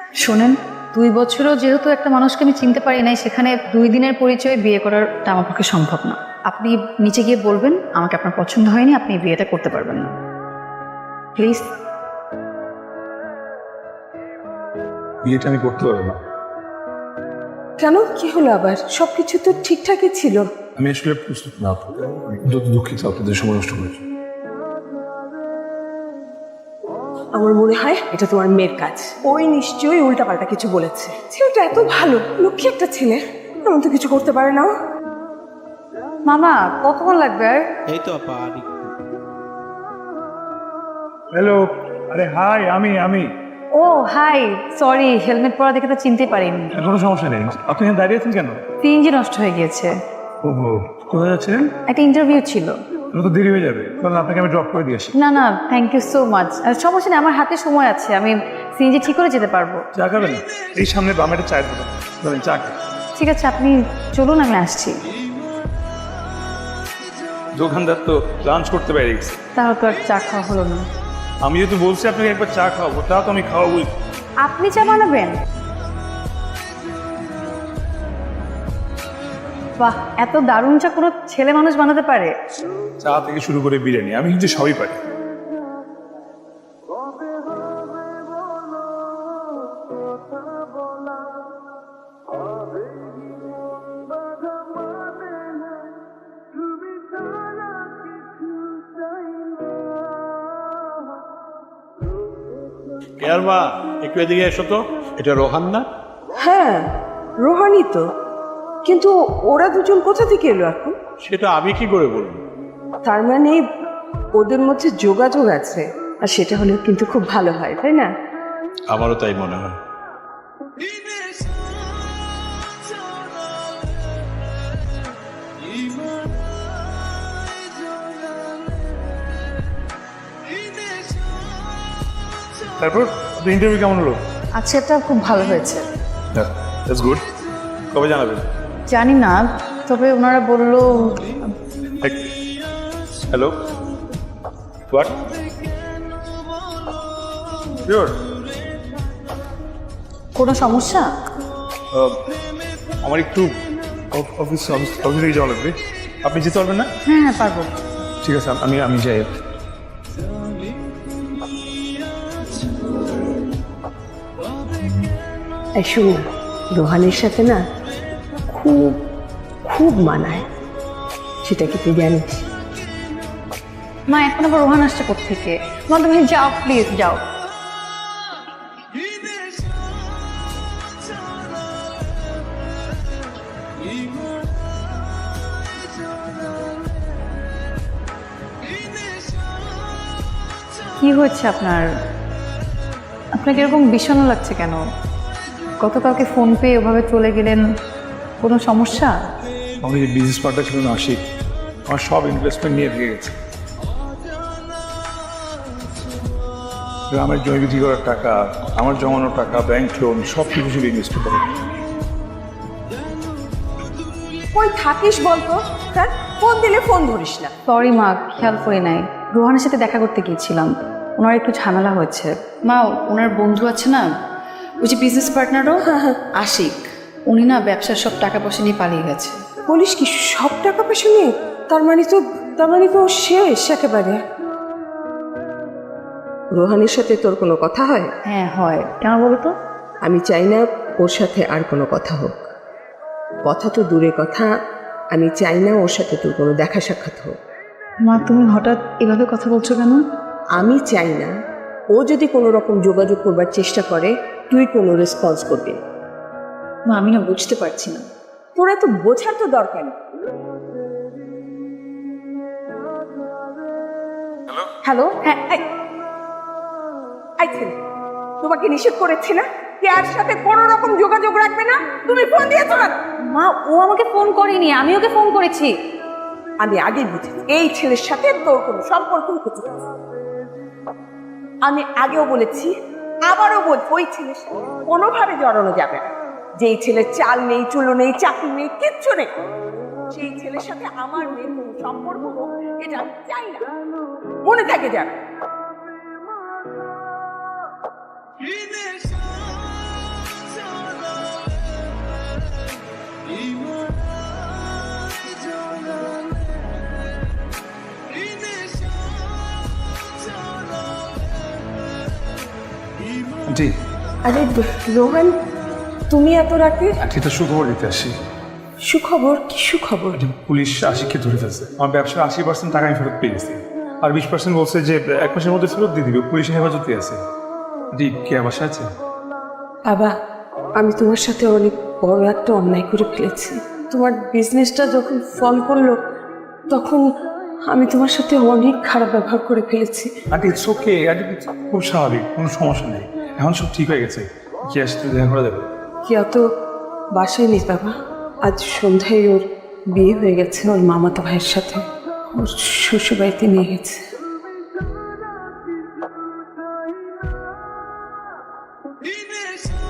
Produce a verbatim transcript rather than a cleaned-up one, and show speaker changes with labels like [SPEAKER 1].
[SPEAKER 1] শোনেন, দুই বছরও যেহেতু একটা মানুষকে আমি চিনতে পারি নাই, সেখানে দুই দিনের পরিচয়ে বিয়ে করাটা আমার পক্ষে সম্ভব না। আপনি নিচে গিয়ে বলবেন আমাকে আপনার পছন্দ হয়নি, আপনি বিয়েটা করতে পারবেন না, প্লিজ।
[SPEAKER 2] বিয়েটা আমি করতে পারবো না।
[SPEAKER 3] কেন, কি হলো আবার? সবকিছু তো ঠিকঠাকই ছিল।
[SPEAKER 2] আমি আসলে প্রস্তুত না। যত দুঃখিত আপনাদের সময় নষ্ট করেছি।
[SPEAKER 3] আমার মনে হয় এটা তোমার মেয়ের কাজ। ওই নিশ্চয়ই উল্টাপাল্টা কিছু বলেছে। ছেলেটা এত ভালো, লক্ষ্মী একটা ছেলে, এমন তো কিছু করতে পারে না।
[SPEAKER 1] মামা কতক্ষণ লাগবে আর?
[SPEAKER 4] এই তো আপা আর একটু।
[SPEAKER 2] হ্যালো, আরে হাই, আমি আমি
[SPEAKER 1] ও হাই, সরি, হেলমেট পরা দেখে তো চিনতে পারিনি।
[SPEAKER 2] কোনো সমস্যা নেই। আপনি এখানে দাঁড়িয়ে আছেন কেন?
[SPEAKER 1] সিএনজি নষ্ট হয়ে গিয়েছে।
[SPEAKER 2] ওহো, কোথায় যাচ্ছেন?
[SPEAKER 1] একটা ইন্টারভিউ ছিল।
[SPEAKER 2] তো দেরি হয়ে যাবে, তাহলে আপনাকে আমি ড্রপ করে দিয়ে আসি।
[SPEAKER 1] না না, থ্যাংক ইউ সো মাচ। সমস্যা নেই, আমার হাতে সময় আছে, আমি সিএনজি ঠিক করে যেতে পারবো।
[SPEAKER 2] চা খাবেন? এই সামনে বামে একটা চায়ের দোকান, ধরেন চা খান।
[SPEAKER 1] ঠিক আছে, আপনি চলুন, আমি আসছি।
[SPEAKER 2] দোকানদার তো লাঞ্চ করতে পারি গেছে।
[SPEAKER 1] তাহলে তো আর চা খাওয়া হলো না।
[SPEAKER 2] আমি যেহেতু বলছি আপনাকে একবার চা খাওয়াবো, তা তো আমি খাওয়াবোই।
[SPEAKER 1] আপনি চা বানাবেন? বাহ, এত দারুণ চা কোনো ছেলে মানুষ বানাতে পারে?
[SPEAKER 2] চা থেকে শুরু করে বিরিয়ানি, আমি কিন্তু সবই পারি।
[SPEAKER 4] কেয়ার মা, একটু এদিকে এসো তো। এটা রোহান না?
[SPEAKER 3] হ্যাঁ, রোহানি তো, কিন্তু ওরা দুজন কোথা থেকে এলো এখন?
[SPEAKER 4] সেটা আমি কি করে বলবো?
[SPEAKER 3] তার মানে ওদের মধ্যে যোগাযোগ আছে, আর সেটা হলেও কিন্তু খুব ভালো হয়, তাই না?
[SPEAKER 4] আমারও তাই মনে হয়।
[SPEAKER 2] তারপর আপনার ইন্টারভিউ কেমন হলো?
[SPEAKER 1] আচ্ছা, এটা খুব ভালো হয়েছে।
[SPEAKER 2] That's good. কবে জানাবেন?
[SPEAKER 1] জানি না, তবে ওনারা বললো।
[SPEAKER 2] Hello, what? শিওর?
[SPEAKER 1] কোনো সমস্যা?
[SPEAKER 2] আমার একটু অফিস অফিস অফিস থেকে যাওয়া লাগবে। আপনি যেতে পারবেন না?
[SPEAKER 1] হ্যাঁ হ্যাঁ, পারবো।
[SPEAKER 2] ঠিক আছে, আমি আমি যাই।
[SPEAKER 3] এই শুনো, রোহানের সাথে না খুব খুব মানায়, সেটা কি তুই জানিস?
[SPEAKER 1] মা, এখন আবার রোহান আসছে কোত্থেকে? মা তুমি যাও, প্লিজ যাও। কি হয়েছে আপনার? আপনাকে এরকম বিষণ্ণ লাগছে কেন? গতকালকে ফোন পেয়ে ওভাবে চলে গেলেন, কোনো সমস্যা?
[SPEAKER 2] আমার যে বিজনেস পার্টনার ছিল না আশিক, আমার সব ইনভেস্টমেন্ট নিয়ে দিয়ে গেছে। গ্রামের জমি বিক্রি করার টাকা, আমার জমানো টাকা, ব্যাংক লোন, সব কিছু শুধু ইনভেস্ট করে।
[SPEAKER 3] কই থাকিস বলতো? হ্যাঁ, ফোন দিলে ফোন ধরিস না।
[SPEAKER 1] সরি মা, খেয়াল করি নাই। রোহানের সাথে দেখা করতে গিয়েছিলাম, ওনার একটু ঝামেলা হয়েছে। মা, ওনার বন্ধু আছে না, ওই যে বিজনেস পার্টনারও আশিক, উনি না ব্যবসার সব টাকা পয়সা নিয়ে পালিয়ে গেছে।
[SPEAKER 3] বলিস কি, সব টাকা পয়সা নিয়ে? তার মানে তো তার মানে তো শেষ একেবারে। রোহানের সাথে তোর কোনো কথা হয়?
[SPEAKER 1] হ্যাঁ হয়, কেন বলো তো?
[SPEAKER 3] আমি চাই না ওর সাথে আর কোনো কথা হোক। কথা তো দূরে কথা, আমি চাই না ওর সাথে তোর কোনো দেখা সাক্ষাৎ হোক।
[SPEAKER 1] মা, তুমি হঠাৎ এভাবে কথা বলছো কেন?
[SPEAKER 3] আমি চাই না ও যদি কোনো রকম যোগাযোগ করবার চেষ্টা করে তুই কোনো রেসপন্স করবি না।
[SPEAKER 1] মা, আমি না বুঝতে পারছি না।
[SPEAKER 3] তোরা তো বোঝার তো দরকার নেই। হ্যালো, হ্যাঁ, এই, এই ছেলে, তোমাকে নিষেধ করেছি না কেয়ার সাথে কোনো রকম যোগাযোগ রাখবে না? তুমি ফোন দিয়েছো না?
[SPEAKER 1] মা, ও আমাকে ফোন করেনি, আমি ওকে ফোন করেছি।
[SPEAKER 3] আমি আগে বুঝি এই ছেলের সাথে তোর কোনো সম্পর্ক কিছু। আমি আগেও বলেছি, আবারও বল, ওই ছেলের সাথে কোনোভাবে জড়ানো যাবে না। যেই ছেলের চাল নেই, চুলো নেই, চাকরি নেই, কিচ্ছু নেই, সেই ছেলের সাথে আমার মেয়ের কোনো সম্পর্ক হোক এটা আমি চাই না। মনে থাকে যাবে।
[SPEAKER 2] আন্টি
[SPEAKER 3] আরে রোহান, তুমি এত রাতে?
[SPEAKER 2] আন্টি তো সুখবর দিতে আসি।
[SPEAKER 3] সুখবর? কি সুখবর?
[SPEAKER 2] আন্টি, পুলিশ আশিককে ধরে ফেলছে। আমার ব্যবসার আশি পার্সেন্ট টাকা আমি ফেরত পেয়ে গেছি, আর বিশ পার্সেন্ট বলছে যে এক মাসের মধ্যে ফেরত দিয়ে দিবে। পুলিশের হেফাজতে আছে। আন্টি কে বাসা আছে?
[SPEAKER 3] বাবা, আমি তোমার সাথে অনেক বড় একটা অন্যায় করে ফেলেছি। তোমার বিজনেসটা যখন ফল করলো তখন আমি তোমার সাথে অনেক খারাপ ব্যবহার করে ফেলেছি।
[SPEAKER 2] আন্টি ইটস ওকে আন্টি, খুব স্বাভাবিক, কোনো সমস্যা নেই। এখন সব ঠিক হয়ে গেছে। কি আসতে দেখা করা যাবে?
[SPEAKER 3] কি অত বাসায় নেই বাবা। আজ সন্ধ্যায় ওর বিয়ে হয়ে গেছে ওর মামাতো ভাইয়ের সাথে। ওর শ্বশুরবাড়িতে নিয়ে গেছে।
[SPEAKER 5] Even